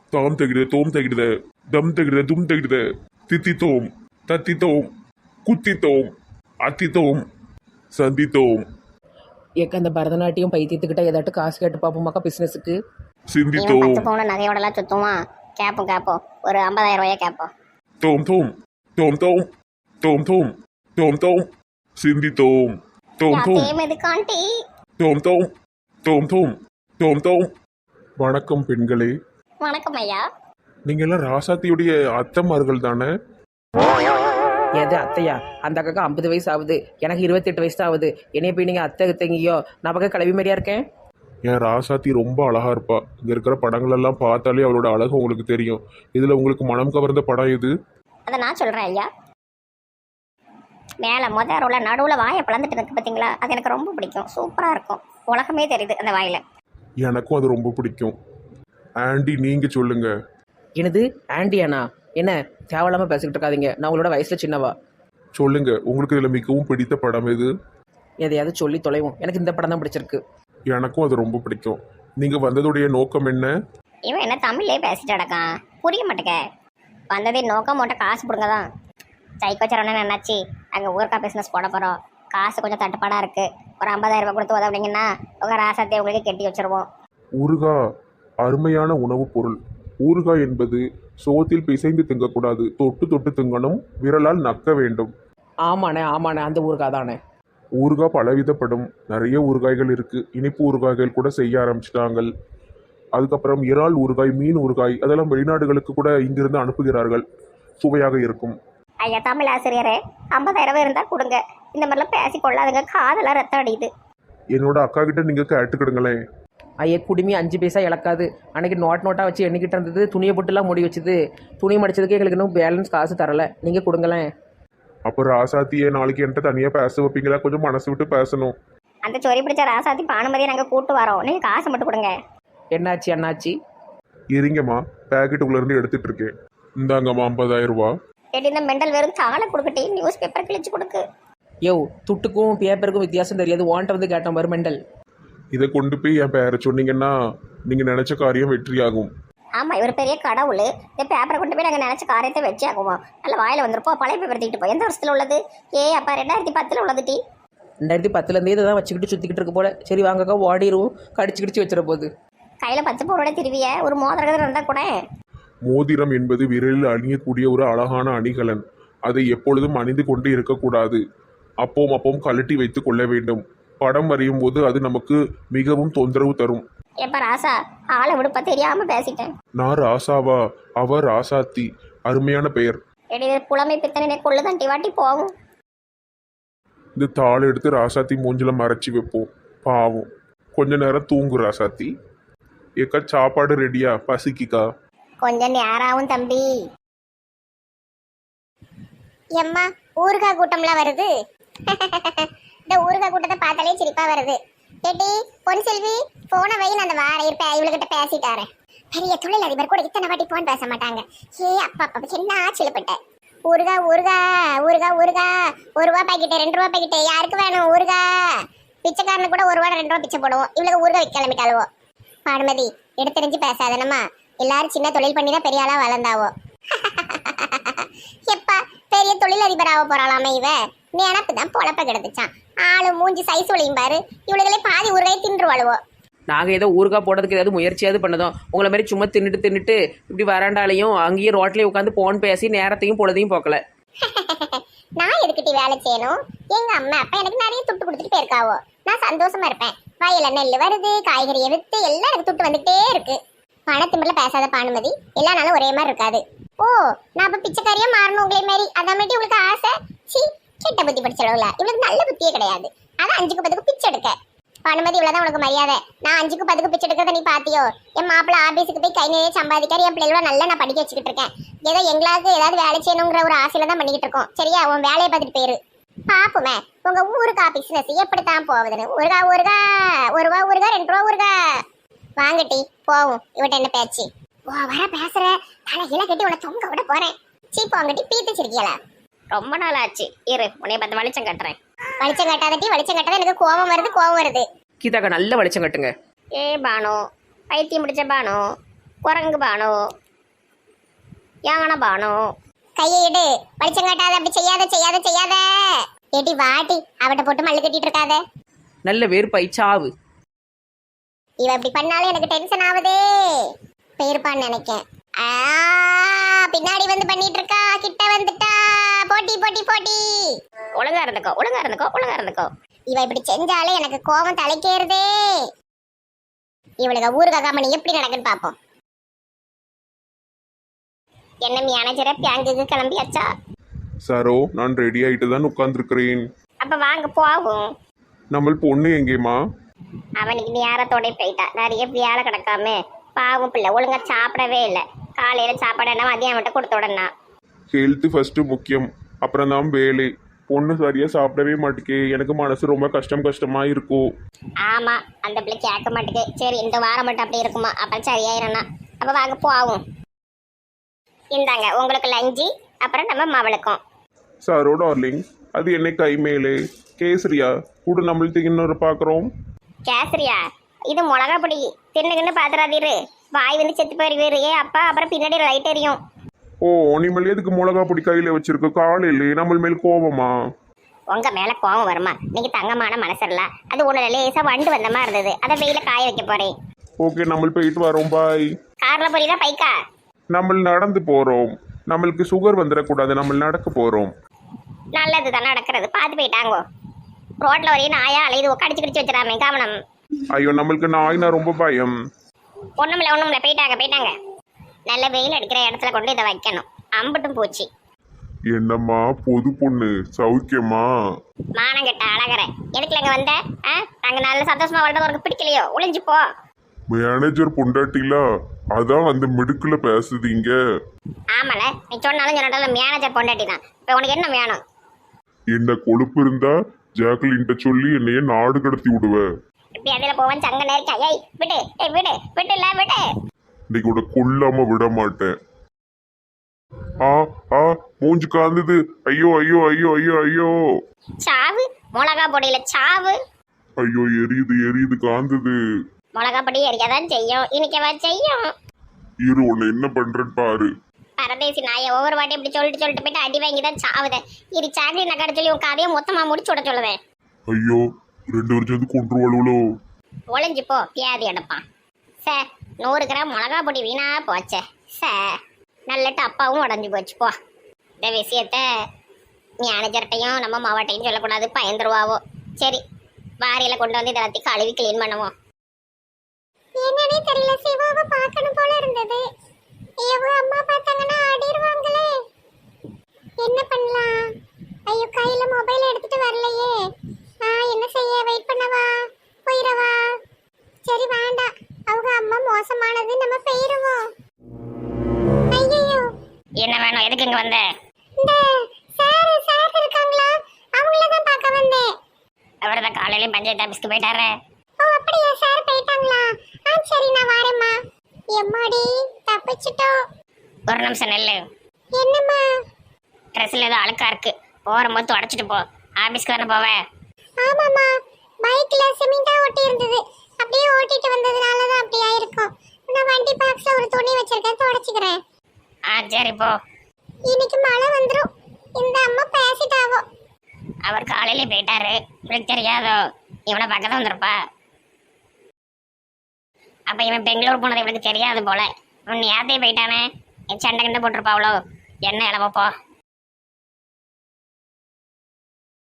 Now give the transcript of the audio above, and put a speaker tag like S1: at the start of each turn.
S1: தாம் தகிட தோம் தகிட தம் தகிட தும் தகிட தித்தித்தோம் தத்தித்தோம் குத்தித்தோம் அத்தித்தோம் சந்தித்தோம்
S2: ஏக்க அந்த பரதநாட்டியம் பைத்தியத்துக்கிட்ட ஏதாட்டும் காசு கேட்டு பார்ப்போமாக்கா பிஸ்னஸுக்கு.
S3: இவன்
S1: சிந்தித்தோம்
S3: 10 பவுன் நகையோடலாம் சுத்துவான். கேட்போம் ஒரு 50,000 ரூபாயா கேட்போம்.
S1: தோம் தோம் தோம் தோம் தோம் தோம் தோம் தோம் சிந்தித்தோம் தோம் தோம்
S3: எதுக்காண்டி
S1: தோம் தோம் தோம் தோம் தோம் தோம். வணக்கம் பெண்களே.
S3: வணக்கம் ஐயா.
S1: நீங்க எல்லாம் ராசாத்தியுடைய அத்தமார்கள் தானே?
S2: எது அத்தையா? அந்த அக்காக்கு 50 வயசு ஆகுது, எனக்கு 28 வயசு தான் ஆகுது. என்னைய போய் நீங்கள் அத்தை அத்தைங்கியோ? நான் பக்கம் கிளவி மாதிரியா இருக்கேன்.
S1: என் ராசாத்தி ரொம்ப அழகா இருப்பா. இங்க இருக்கிற படங்கள் எல்லாம் பார்த்தாலே அவளோட அழகு உங்களுக்கு தெரியும். இதுல உங்களுக்கு மனம் கவர்ந்த படம் எது?
S3: அதை நான் சொல்றேன் ஐயா. மேல ரோல நடுவுல வாயை பிளந்துட்டு இருக்கு பாத்தீங்களா, அது எனக்கு ரொம்ப பிடிக்கும். சூப்பரா இருக்கும். உலகமே தெரியுது அந்த வாயில.
S1: எனக்கும் அது ரொம்ப பிடிக்கும். ஆண்டி நீங்க சொல்லுங்க.
S2: எனது ஆண்டியானா? என்ன தேவையில்லாம பேசிக்கிட்டு இருக்காதீங்க, நான் உங்களோட வயசுல சின்னவா.
S1: சொல்லுங்க, உங்களுக்கு இதுல மிகவும் பிடித்த படம் எது?
S2: எதையாவது சொல்லி தொலைவோம். எனக்கு இந்த படம் தான் பிடிச்சிருக்கு.
S1: எனக்கும் அது ரொம்ப பிடிக்கும். நீங்க வந்ததுடைய நோக்கம் என்ன?
S3: இவன் என்ன தமிழ்லயே பேசிட்டு அடக்கான், புரிய மாட்டேங்க. வந்ததே நோக்கம் மட்டும் காசு கொடுங்க தான். சைக்கோச்சரவனே நினைச்சு அங்கே ஊருக்கா பிஸ்னஸ் போட போகிறோம். காசு கொஞ்சம் தட்டுப்பாடாக இருக்குது. ஒரு 50,000 ரூபாய் கொடுத்து உதவுனீங்கன்னா உங்கள் ராசாத்தையை உங்களுக்கு கெட்டி வச்சுருவோம்.
S1: ஊறுகாய் அருமையான உணவுப் பொருள். ஊறுகாய் என்பது சோத்தில் பிசைந்து திங்கக்கூடாது, தொட்டு தொட்டு திங்கணும், விரலால் நக்க வேண்டும்.
S2: ஆமாண்ணே ஆமாண்ணே, அந்த ஊருக்கா தானே.
S1: ஊறுகாய் பலவிதப்படும். நிறைய ஊறுகாய்கள் இருக்குது. இனிப்பு ஊறுகாய்கள் கூட செய்ய ஆரம்பிச்சிட்டாங்க. அதுக்கப்புறம் இறால் ஊறுகாய், மீன் ஊறுகாய், அதெல்லாம் வெளிநாடுகளுக்கு கூட இங்கிருந்து அனுப்புகிறார்கள். சுவையாக இருக்கும்.
S3: ஐயா தமிழ் ஆசிரியரே, 50,000 இருந்தால் கொடுங்க. இந்த மாதிரிலாம் பேசி கொள்ளாதுங்க, காதெல்லாம் ரத்தம் அடியுது.
S1: என்னோட அக்கா கிட்ட நீங்கள் கேட்டுக்கிடுங்களேன்.
S2: ஐயா குடுமி 5 பைசா இழக்காது. அன்னைக்கு நோட்டாக வச்சு எண்ணிக்கிட்டு இருந்தது, துணியை போட்டுலாம் மூடி வச்சுது. துணி மடிச்சதுக்கு எங்களுக்கு இன்னும் பேலன்ஸ் காசு தரலை. நீங்கள் கொடுங்களேன்.
S1: அப்போ ராசாத்தியை நாளைக்கு என்கிட்ட தனியாக பேச வைப்பீங்களா? கொஞ்சம் மனசு விட்டு பேசணும்.
S3: அந்த சொறி பிடிச்ச ராசாத்தி பானுமதியை நாங்கள் கூட்டு வரோம். நீங்கள் காசு மட்டும் கொடுங்க.
S2: என்னாச்சு அண்ணாச்சி?
S1: இருங்கம்மா, பேக்கெட்டுக்குள்ளேருந்து எடுத்துட்டு இருக்கேன். இந்தாங்கம்மா 50,000 ரூபா.
S3: கேட்டு இந்த மெண்டல் வெறும் தாளை கொடுக்கட்டி நியூஸ் பேப்பர் கிழிச்சு கொடுக்கு.
S2: யோ, துட்டுக்கும் பேப்பருக்கும் வித்தியாசம் தெரியாது. வாண்ட வந்து கேட்டோம் பாரு மெண்டல்.
S1: இதை கொண்டு போய் என் பேரை சொன்னீங்கன்னா நீங்கள் நினச்ச காரியம் வெற்றியாகும்.
S3: ஆமாம், இவர் பெரிய கடவுள். இந்த பேப்பரை கொண்டு போய் நாங்கள் நினச்ச காரியத்தை வச்சு ஆகுவோம். நல்ல வாயில் வந்துருப்போம். பழைய பேப்பர் தூக்கிட்டு போய் எந்த வருஷத்தில் உள்ளது? அப்பா 2010 உள்ளது டி.
S2: 2010 இதை தான் வச்சுக்கிட்டு சுற்றிக்கிட்டு இருக்கு போல. சரி வாங்கக்கா, ஓடிடுவோம். கடிச்சு கிடிச்சு வச்சிட போகுது.
S3: கையில் 10 பவுனோட திருவிய ஒரு மோதிரம் இருந்தால் கூட.
S1: மோதிரம் என்பது விரலில் அணியக்கூடிய ஒரு அழகான அணிகலன். அதை எப்பொழுதும் அணிந்து கொண்டு இருக்கக்கூடாது. அப்பவும் கழட்டி வைத்து கொள்ள வேண்டும். படம் வரையும் போது அது நமக்கு மிகவும் தொந்தரவு தரும்.
S3: எப்ப ராசா, ஆளை விடுப்ப தெரியாம பேசிட்டேன்.
S1: நான் ராசாவா? அவர் ராசாத்தி. அருமையான பெயர்.
S3: புலமை பித்தனை கொள்ளு தண்டி வாட்டி போகும்.
S1: இந்த தாள் எடுத்து ராசாத்தி மூஞ்சில மறைச்சி வைப்போம். பாவம். கொஞ்ச நேரம் தூங்கு ராசாத்தி. ஏக்கா சாப்பாடு ரெடியா? பசிக்குக்கா?
S3: கொஞ்சம் நேராவும் தம்பி. எம்மா, ஊறுகாய் கூட்டம்லாம் வருது. இந்த ஊறுகாய் கூட்டத்தை பார்த்தாலே சிரிப்பா வருது. கேட்டி பொன் செல்வி, போன வயல் அந்த வார இருப்ப இவளுக்கிட்ட பேசிட்டாரேன். பெரிய தொழில் அதிபர் கூட இத்தனை வாட்டி போன் பேச மாட்டாங்க. அப்பா என்ன ஆச்சரியப்பட்ட. ஊறுகாய் ஊறுகாய் ஊறுகாய் ஊறுகாய், 1 ரூபா பாக்கெட்டு, 2 ரூபா பாக்கெட்டு, யாருக்கு வேணும் ஊறுகாய்? பிச்சைக்காரனு கூட 1 ரூபா 2 ரூபா பிச்சை போடுவோம். இவளுக்கு ஊறுகாய் விற்க கிளம்பிட்டாளுவோ. பானுமதி, எடுத்தறிஞ்சு பேசாதனமா. எல்லாரும் சின்ன தொழில் பண்ணி தான் பெரிய ஆளா வளர்ந்தாவோ. எப்பா பெரிய தொழில் அதிபர் ஆக போறாளாமே இவ. நினப்பு தான் பொழப்ப கிடந்துச்சான். ஆளு மூஞ்சி சைஸ் ஒளியும் பாரு. இவளுகளே பாதி ஊறுகாய் தின்றுவாளுவோ.
S2: நாங்கள் ஏதோ ஊறுகாய் போடுறதுக்கு ஏதாவது முயற்சியாவது பண்ணதோம். உங்களை மாதிரி சும்மா தின்னுட்டு இப்படி வராண்டாலையும் அங்கேயும் ரோட்லேயும் உட்காந்து போன் பேசி நேரத்தையும் பொழுதையும் போக்கல.
S3: நான் எதுக்கிட்ட வேலை செய்யணும்? எங்க அம்மா அப்பா எனக்கு நிறைய துட்டு கொடுத்துட்டு போயிருக்காவோ. நான் சந்தோஷமா இருப்பேன். வயல நெல் வருது, காய்கறியை வித்து எல்லாம் எனக்கு துட்டு வந்துட்டே இருக்கு. பணத்திமிரில பேசாத பானுமதி, எல்லா நாளும் ஒரே மாதிரி இருக்காது. ஓ, நான் அப்ப பிச்சைக்காரியா மாறணும் உங்களே மாதிரி? அதான் மட்டும் உங்களுக்கு ஆசை? சி, கெட்ட புத்தி படிச்சளவுல இவளுக்கு நல்ல புத்தியே கிடையாது. அதான் 5க்கு 10க்கு பிச்சை எடுக்க. பானுமதி, இவ்வளவுதான் உனக்கு மரியாதை. நான் 5க்கு 10க்கு பிச்சை எடுக்கிறத நீ பாத்தியோ? என் மாப்பிள்ள ஆபீஸுக்கு போய் கை நிறைய சம்பாதிக்காரு. என் பிள்ளைகளோட நல்லா நான் படிக்க வச்சுக்கிட்டு இருக்கேன். ஏதோ எங்களாவது ஏதாவது வேலை செய்யணுங்கிற ஒரு ஆசையில தான் பண்ணிக்கிட்டு இருக்கோம். சரியா? உன் வேலையை பார்த்துட்டு போயிரு. பாப்புமே உங்க ஊருக்கு பிசினஸ் எப்படித்தான் போகுதுன்னு. ஊறுகாய் ஊறுகாய், 1 ரூபா ஊறுகாய், 2 ரூபா ஊறுகாய். வாங்கட்டி போவோம். இவட்ட என்ன பேச்சு? வர பேசுற தலையில கட்டி உன தொங்க விட போறேன். சீப்பு வாங்கட்டி பீத்துச்சிருக்கியல. ரொம்ப நாள் ஆச்சு. இரு, உன்னைய பார்த்து வெளிச்சம் கட்டுறேன். வெளிச்சம் கட்டாதட்டி, வெளிச்சம் கட்டாத எனக்கு கோபம் வருது.
S2: கீதாக்கா நல்ல வெளிச்சம் கட்டுங்க.
S3: பானு, பைத்தியம் முடிச்ச பானு, குரங்கு பானு யானை பானு கையை இடு, வெளிச்சம் காட்டாத, அப்படி செய்யாத செய்யாத செய்யாத. ஏடி வாட்டி அவட்ட போட்டு மல்லு கட்டிட்டு இருக்காத.
S2: நல்ல வேறுபாய் சாவு.
S3: இவ இப்படி பண்ணாலும் எனக்கு டென்ஷன் ஆகுதே. பேருப்பான்னு நினைக்கேன். பின்னாடி வந்து பண்ணிட்டு இருக்கா, கிட்ட வந்துட்டா. போட்டி போட்டி போட்டி. ஒழுங்கா இருந்துக்கோ ஒழுங்கா இருந்துக்கோ ஒழுங்கா இருந்துக்கோ. இவ இப்படி செஞ்சாலே எனக்கு கோபம் தலைக்கேறுதே. இவளுக்கு ஊருக்கு கம்பெனி எப்படி நடக்குன்னு பாப்போம். என்ன மேனேஜரை பேங்குக்கு கிளம்பியாச்சா?
S1: சரோ, நான் ரெடி ஆயிட்டு தான் உட்கார்ந்துருக்கிறேன்.
S3: அப்ப வாங்க போவோம்.
S1: நம்ம பொண்ணு எங்கேம்மா?
S3: அவனுக்கு நேரத்தோட போயிட்டா. நிறைய வேலை கிடக்காம பாவம் பிள்ளை ஒழுங்கா சாப்பிடவே இல்லை. காலையில சாப்பாடு என்ன மதியம் மட்டும் கொடுத்த உடனே.
S1: ஹெல்த் ஃபர்ஸ்ட் முக்கியம், அப்புறம் தான் வேலை. பொண்ணு சரியா சாப்பிடவே மாட்டேக்கே, எனக்கு மனசு ரொம்ப கஷ்டமா இருக்கும்.
S3: ஆமா, அந்த பிள்ளை கேட்க மாட்டேங்குது. சரி இந்த வாரம் மட்டும் அப்படி இருக்குமா, அப்புறம் சரியாயிரண்ணா. அப்ப வாங்க போவோம். இந்தாங்க உங்களுக்கு லஞ்சி, அப்புறம் நம்ம மவளுக்கும்.
S1: சரோ டார்லிங், அது என்ன கை மேலே கேசரியா கூட நம்மளுக்கு இன்னொரு பார்க்குறோம்.
S3: கேசரியா? இது மிளகா பொடி. தின்னுக்குன்னு பாத்துறாதீரு, வாய் வந்து செத்து போயிருவீரு. அப்பா அப்புறம் பின்னாடி லைட் எரியும்.
S1: ஓ, நீங்கள் எதுக்கு மிளகா பொடி கையில வச்சிருக்க? காலையிலே நம்ம மேல் கோபமா?
S3: உங்க மேல கோபம் வருமா? நீங்க தங்கமான மனசல்ல. அது ஒண்ணு லேசா வண்டு வந்த மாதிரி இருந்தது, அதை வெயில காய வைக்க போறேன்.
S1: ஓகே, நம்ம போயிட்டு வரோம், பாய்.
S3: கார்ல போறீதா பைக்கா?
S1: நம்ம நடந்து போறோம். நம்மளுக்கு சுகர் வந்துடக்கூடாது, நம்ம நடக்க போறோம்.
S3: நல்லதுதான் நடக்கிறது, பார்த்து போயிட்டாங்கோ. ரோட்ல வரையும் நாயா அலையுது, கடிச்சு கடிச்சு வச்சிடாமே, கவனம்.
S1: ஐயோ, நம்மளுக்கு நாய்னா ரொம்ப பயம்.
S3: ஒண்ணுமில்ல போயிட்டாங்க. நல்ல வெயில் அடிக்கிற இடத்துல கொண்டு இதை வைக்கணும். அம்பட்டும் போச்சு.
S1: என்னம்மா பொது பொண்ணு, சௌக்கியமா?
S3: மானங்கட்ட அழகற, எதுக்குல இங்க வந்த? நாங்க நல்ல சந்தோஷமா வாழ்றது உனக்கு பிடிக்கலையோ? ஒளிஞ்சு போ.
S1: மேனேஜர் பொண்டாட்டில அதான் அந்த மிடுக்குல பேசுதீங்க.
S3: ஆமால, நீ சொன்னாலும் சொன்னாலும் மேனேஜர் பொண்டாட்டி தான். இப்ப உனக்கு என்ன வேணும்?
S1: என்ன கொழுப்பு இருந்தா ஜாக்லின்ட்ட சொல்லி என்னைய நாடு கடத்தி விடுவ.
S3: இப்படி அதுல போவன் சங்க நேரிக்கா. ஏய் விடு, ஏய் விடு, விட்டுல விடு.
S1: இன்னைக்கு கூட கொல்லாம விட மாட்டேன். மூஞ்சு காந்தது. ஐயோ ஐயோ ஐயோ ஐயோ ஐயோ.
S3: சாவு, மிளகா பொடியில சாவு.
S1: ஐயோ, எரியுது காந்தது.
S3: மிளகா பொடி எரியாதான் செய்யும், இனிக்கவா செய்யும்.
S1: இரு, உன்னை என்ன பண்றேன்னு பாரு.
S3: பரதேசி நாய ஒவ்வொரு வாட்டி இப்படி சொல்லிட்டு போயிட்டு அடி வாங்கி தான் சாவுதேன். இது சாக்ரி நக்காட சொல்லி உன் கதையை மொத்தமா முடிச்சு விட சொல்லுவேன்.
S1: ஐயோ, 2 வருஷம் வந்து கொண்டுருவாளோ.
S3: ஒளிஞ்சு போ, பியாதி எடுப்பான். சார் 100 கிராம் மிளகா பொடி வீணா போச்சே சார். நல்லட்டு அப்பாவும் உடஞ்சி போச்சு. போ, இந்த விஷயத்த மேனேஜர்கிட்டையும் நம்ம மாவட்டையும் சொல்லக்கூடாது, பயந்துருவாவோ. சரி, வாரியில கொண்டு வந்து இதை வத்தி கழுவி கிளீன் பண்ணுவோம். என்னன்னே தெரியல, சிவாவை பார்க்கணும் போல இருந்தது. அம்மா பார்த்தாங்கன்னா ஆடிடுவாங்களே. என்ன பண்ணலாம்? ஐயோ, கையில மொபைல் எடுத்துட்டு வரலையே. என்ன செய்ய? வெயிட் பண்ணவா? போயிடவா? சரி வேண்டாம், அவங்க அம்மா மோசமானது, நம்ம போயிருவோம். ஐயோ, என்ன வேணும்? எதுக்கு இங்க வந்த? இந்த சார் இருக்காங்களா, அவங்கள தான் பார்க்க வந்தேன். அவர்தான் காலையில பஞ்சாயத்து ஆபீஸ்க்கு போயிட்டாரே. ஓ அப்படியா, சார் போயிட்டாங்களா? சரி நான் வரேம்மா. எம்மாடி, தப்பிச்சிட்டோம். ஒரு நிமிஷம் நெல்லு. என்னம்மா? ட்ரெஸ்ல ஏதோ அழுக்கா இருக்கு, போகும்போது தொடச்சிட்டு போ. ஆபீஸ்க்கு தானே போவேன். ஆமாம்மா, பைக்ல சிமெண்டா ஒட்டி இருந்தது, அப்படியே ஓட்டிட்டு வந்ததுனால தான் அப்படி ஆயிருக்கும். நான் வண்டி பாக்ஸ்ல ஒரு துணி வச்சிருக்கேன், தொடச்சிக்கிறேன். சரி போ. இன்னைக்கு மழை வந்துரும், இந்த அம்மா பேசிட்டாவோ. அவர் காலையில போயிட்டாரு, உங்களுக்கு தெரியாதோ? இவனை பக்கத்துல வந்திருப்பா. அப்ப இவன் பெங்களூர் போனது இவனுக்கு தெரியாது போல. அவன் நேரத்தையே போயிட்டானே, என் சண்டை கண்டு போட்டிருப்பாவளோ. என்ன இளவப்போ.